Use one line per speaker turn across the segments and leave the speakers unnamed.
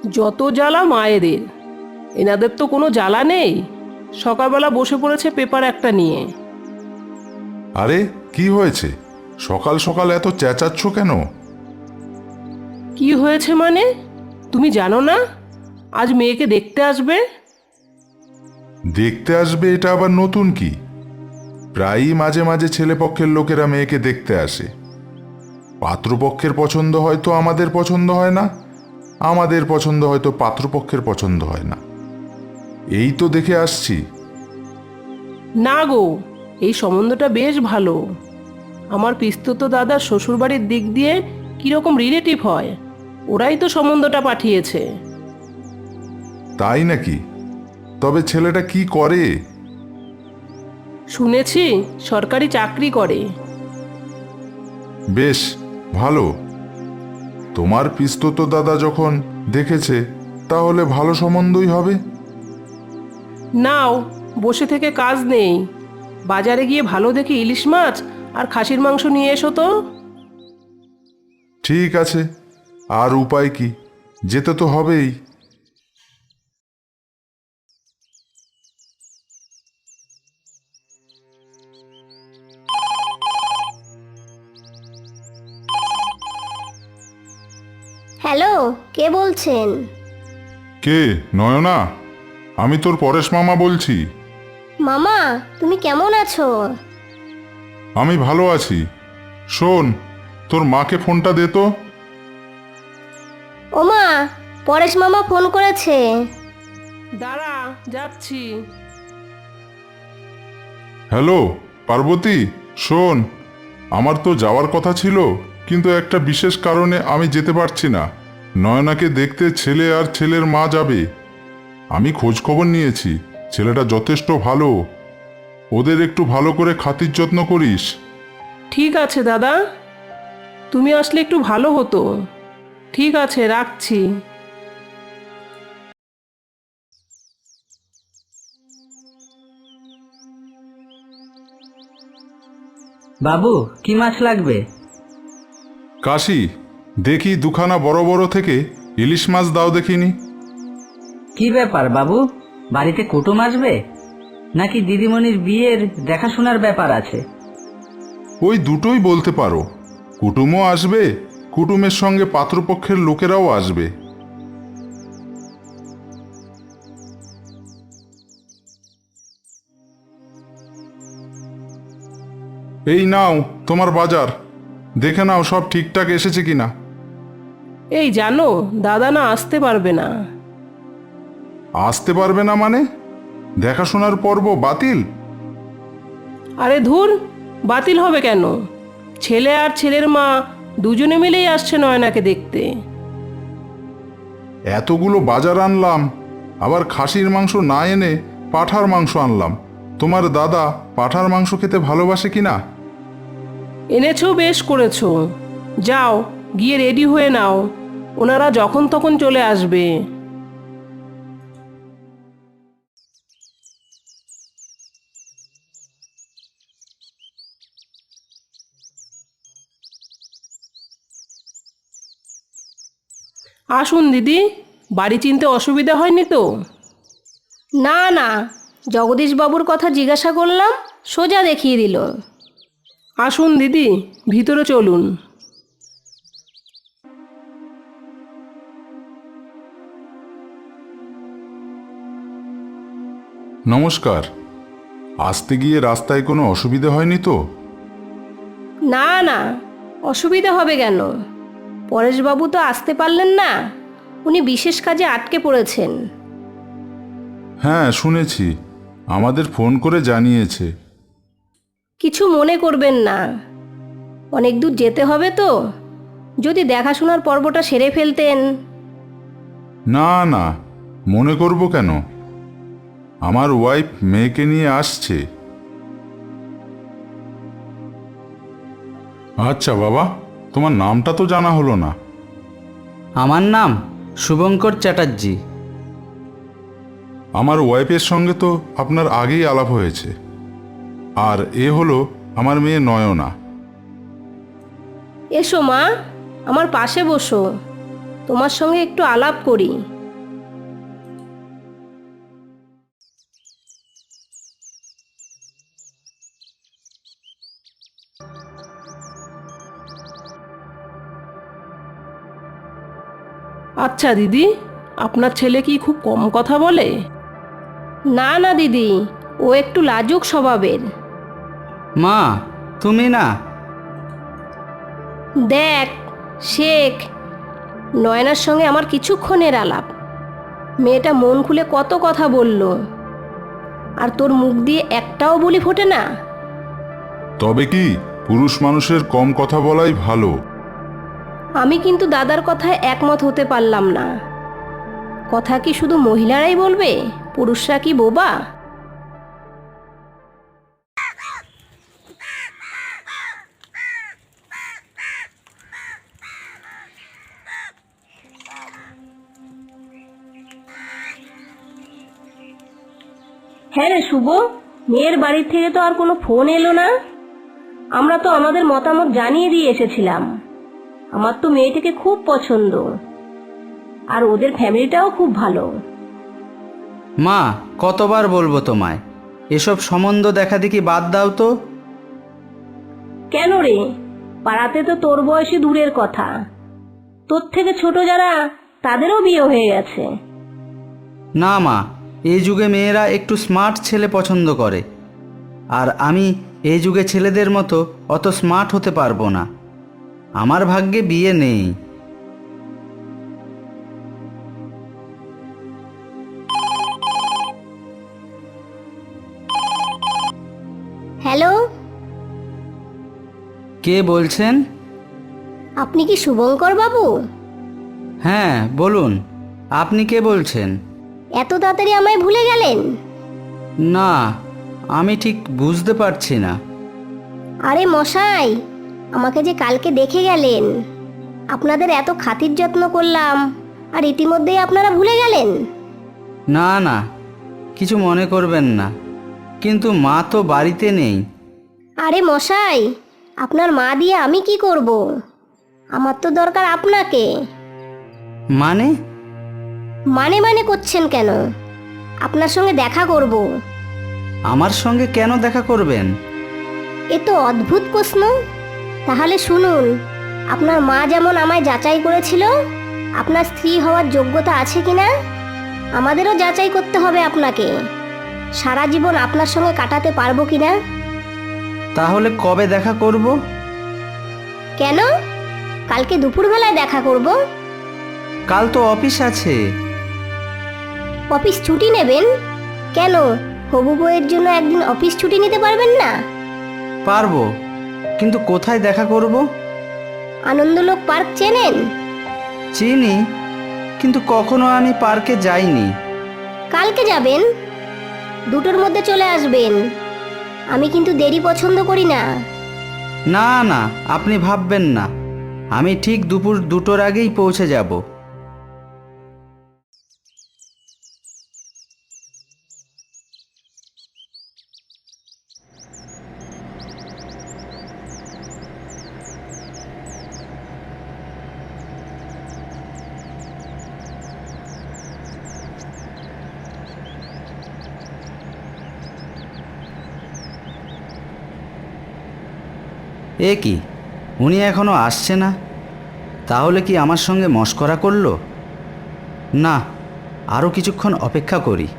যত জ্বালা মায়েদের, এনাদের তো কোনো জ্বালা নেই। সকালবেলা বসে পড়েছে পেপার একটা নিয়ে।
আরে কি হয়েছে? সকাল সকাল এত চেঁচাচ্ছ কেন?
কি হয়েছে মানে? তুমি জানো না আজ মেয়েকে দেখতে আসবে?
দেখতে আসবে এটা আবার নতুন কি? প্রায়ই মাঝে মাঝে ছেলেপক্ষের লোকেরা মেয়েকে দেখতে আসে। পাত্রপক্ষের পছন্দ হয়তো আমাদের পছন্দ হয় না, আমাদের পছন্দ হয়তো পাত্রপক্ষের পছন্দ হয় না। এই তো দেখে আসছি।
না গো, এই সম্বন্ধটা বেশ ভালো। আমার পিস্তত দাদার শ্বশুরবাড়ির দিক দিয়ে কীরকম রিলেটিভ হয়, ওরাই তো সম্বন্ধটা পাঠিয়েছে।
তাই নাকি? তবে ছেলেটা কি করে?
শুনেছি সরকারি চাকরি করে।
বেশ ভালো। তোমার পিস্তত দাদা যখন দেখেছে, তাহলে ভালো সম্বন্ধই হবে।
নাও, বসে থেকে কাজ নেই, বাজারে গিয়ে ভালো দেখে ইলিশ মাছ আর খাসির মাংস নিয়ে এসো তো।
ঠিক আছে, আর উপায় কি, যেতে তো হবেই।
হ্যালো, কে বলছেন?
কে? নয়না, আমি তোর পরেশ মামা বলছি।
মামা, তুমি কেমন আছো?
আমি ভালো আছি। শোন, তোর মাকে ফোনটা দে তো।
ওমা, পরেশ মামা ফোন করেছে।
দাঁড়া, যাচ্ছি।
হ্যালো পার্বতী, শোন, আমার তো যাওয়ার কথা ছিল, কিন্তু একটা বিশেষ কারণে আমি যেতে পারছি না। নয়নাকে দেখতে ছেলে আর ছেলের মা যাবে। আমি খোঁজ খবর নিয়েছি, ছেলেটা যথেষ্ট ভালো। ওদের একটু ভালো করে খাতির যত্ন করিস।
ঠিক আছে দাদা, তুমি আসলে একটু ভালো হতো। ঠিক আছে, রাখছি।
বাবু, কি মাছ লাগবে?
কাশি, দেখি দুখানা বড় বড় থেকে ইলিশ মাছ দাও দেখিনি।
কি ব্যাপার বাবু, বাড়িতে কুটুম আসবে নাকি দিদিমণির বিয়ের দেখাশোনার ব্যাপার আছে?
ওই দুটোই বলতে পারো। কুটুমও আসবে, কুটুমের সঙ্গে পাত্রপক্ষের লোকেরাও আসবে। এই নাও তোমার বাজার, দেখে নাও সব ঠিকঠাক এসেছে কিনা।
এই জানো, দাদা না আসতে পারবে না।
আসতে পারবে না মানে? দেখাশোনার পর্ব বাতিল?
আরে ধুর, বাতিল হবে কেন? ছেলে আর ছেলের মা দুজনে মিলেই আসছে নয়নাকে দেখতে।
এতগুলো বাজার আনলাম, আবার খাসির মাংস না এনে পাঁঠার মাংস আনলাম। তোমার দাদা পাঁঠার মাংস খেতে ভালোবাসে কিনা?
এনেছো, বেশ করেছো। যাও, গিয়ে রেডি হয়ে নাও, ওনারা যখন তখন চলে আসবে। আসুন দিদি, বাড়ি চিনতে অসুবিধা হয়নি তো?
না না, জগদীশবাবুর কথা জিজ্ঞাসা করলাম, সোজা দেখিয়ে দিল।
আসুন দিদি, ভিতরে চলুন।
নমস্কার। আসতে গিয়ে রাস্তায় কোনো অসুবিধা হয়নি তো?
না না, অসুবিধা হবে কেন? পরেশবাবু তো আসতে পারলেন না, উনি বিশেষ কাজে আটকে পড়েছেন।
হ্যাঁ শুনেছি, আমাদের ফোন করে জানিয়েছে।
কিছু মনে করবেন না, অনেক দূর যেতে হবে তো, যদি দেখাশোনার পর্বটা সেরে ফেলতেন।
না না, মনে করব কেন? আমার ওয়াইফ মেয়েকে নিয়ে আসছে। আচ্ছা বাবা, তোমার নামটা তো জানা হলো না।
আমার নাম শুভঙ্কর চ্যাটার্জি।
আমার ওয়াইফের সঙ্গে তো আপনার আগেই আলাপ হয়েছে। আর এ হলো আমার মেয়ে নয়না।
এসো মা, আমার পাশে বসো, তোমার সঙ্গে একটু আলাপ করি।
আচ্ছা দিদি, আপনার ছেলে কি খুব কম কথা বলে?
না না দিদি, ও একটু লাজুক স্বভাবের।
মা, তুমি না?
দেখ, শেখ, নয়নার সঙ্গে আমার কিছুক্ষণের আলাপ। মেয়েটা মন খুলে কত কথা বলল, আর তোর মুখ দিয়ে একটাও বলি ফোটে না।
তবে কি পুরুষ মানুষের কম কথা বলাই ভালো।
আমি কিন্তু দাদার কথায় একমত হতে পারলাম না। কথা কি শুধু মহিলারাই বলবে? পুরুষরা কি বোবা? হ্যাঁ রে শুভ, মেয়ের বাড়ি থেকে তো আর কোনো ফোন এলো না। আমরা তো আমাদের মতামত জানিয়ে দিয়ে এসেছিলাম। আমার তো মেয়েটাকে খুব পছন্দ, আর ওদের ফ্যামিলিটাও খুব ভালো।
মা, কতবার বলবো তোমায়, এসব সম্বন্ধ দেখা দেখি বাদ দাও তো।
কেন রে? পাড়াতে তো তোর বয়সী দূরের কথা, তোর থেকে ছোট যারা তাদেরও বিয়ে হয়ে গেছে।
না মা, এই যুগে মেয়েরা একটু স্মার্ট ছেলে পছন্দ করে, আর আমি এই যুগে ছেলেদের মতো অত স্মার্ট হতে পারবো না। আমার ভাগ্যে বিয়ে নেই।
হ্যালো,
কে বলছেন?
আপনি কি শুভঙ্কর বাবু?
হ্যাঁ বলুন, আপনি কে বলছেন?
এত তাড়াতাড়ি আমায় ভুলে গেলেন?
না, আমি ঠিক বুঝতে পারছি না।
আরে মশাই, আমাকে যে কালকে দেখে গেলেন, আপনাদের এত খাতির যত্ন করলাম, আর ইতিমধ্যেই আপনারা ভুলে গেলেন?
না না, কিছু মনে করবেন না, কিন্তু মা তো বাড়িতে নেই।
আরে মশাই, আপনার মা দিয়ে আমি কি করব? আমার তো দরকার আপনাকে।
মানে?
মানে করছেন কেন? আপনার সঙ্গে দেখা করব।
আমার সঙ্গে কেন দেখা করবেন?
এ তো অদ্ভুত প্রশ্ন। তাহলে শুনুন, আপনার মা যেমন আমায় যাচাই করেছিল আপনার স্ত্রী হওয়ার যোগ্যতা আছে কিনা, আমাদেরও যাচাই করতে হবে আপনাকে। সারা জীবন আপনার সঙ্গে কাটাতে পারবো কিনা।
তাহলে কবে দেখা করব?
কেন? কালকে দুপুরবেলায় দেখা করব।
কাল তো অফিস আছে।
অফিস ছুটি নেবেন? কেন, হবু বউয়ের জন্য একদিন অফিস ছুটি নিতে পারবেন না?
পারবো, কিন্তু কোথায় দেখা করব?
আনন্দলোক পার্ক চেনেন?
চিনি, কিন্তু কখনো আমি পার্কে যাইনি।
কালকে যাবেন, 2টোর মধ্যে চলে আসবেন। আমি কিন্তু দেরি পছন্দ করি না।
না না, আপনি ভাববেন না, আমি ঠিক দুপুর 2টোর আগেই পৌঁছে যাব। এ কি, উনি এখনো আসছে না? তাহলে কি আমার সঙ্গে মশকরা করলো? না, আরও কিছুক্ষণ অপেক্ষা করি।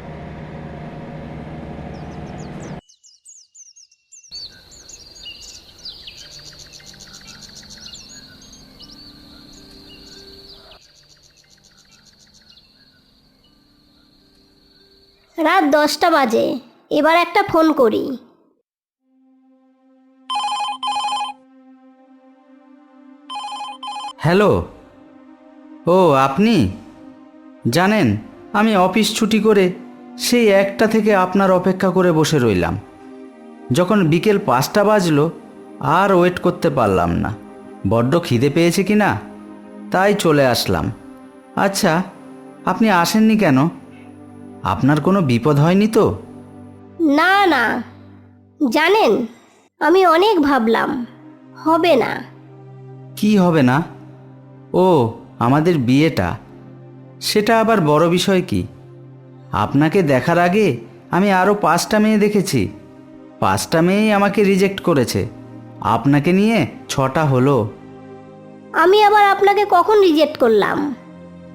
রাত 10টা বাজে, এবার একটা ফোন করি।
হ্যালো। ও আপনি? জানেন, আমি অফিস ছুটি করে সেই 1টা থেকে আপনার অপেক্ষা করে বসে রইলাম। যখন বিকেল 5টা বাজলো, আর ওয়েট করতে পারলাম না। বড্ড খিদে পেয়েছে কি না, তাই চলে আসলাম। আচ্ছা, আপনি আসেননি কেন? আপনার কোনো বিপদ হয়নি তো?
না না, জানেন, আমি অনেক ভাবলাম, হবে না।
কি হবে না? ও, আমাদের বিয়েটা। সেটা আবার বড় বিষয় কি? আপনাকে দেখার আগে আমি আরও 5টা মেয়ে দেখেছি। 5টা মেয়েই আমাকে রিজেক্ট করেছে। আপনাকে নিয়ে 6টা হলো।
আমি আবার আপনাকে কখন রিজেক্ট করলাম?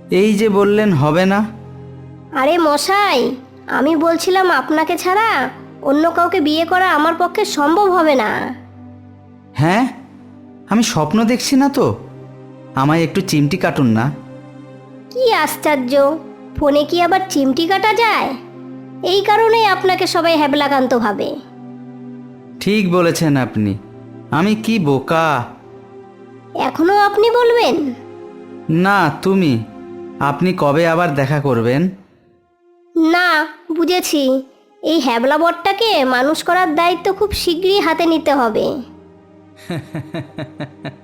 এই যে বললেন হবে না।
আরে মশাই, আমি বলছিলাম আপনাকে ছাড়া অন্য কাউকে বিয়ে করা আমার পক্ষে সম্ভব হবে না।
হ্যাঁ, আমি স্বপ্ন দেখছি না তো? আমায় একটু চিমটি কাটুন না।
কি আশ্চর্য, ফোনে কি আবার চিমটি কাটা যায়? এই কারণেই আপনাকে সবাই হ্যাবলাকান্ত ভাবে।
ঠিক বলেছেন আপনি, আমি কি বোকা।
এখনো আপনি বলবেন?
না তুমি, আপনি কবে আবার দেখা করবেন?
না, বুঝেছি। এই হ্যাবলা বরটাকে মানুষ করার দায়িত্ব খুব শীঘ্রই হাতে নিতে হবে।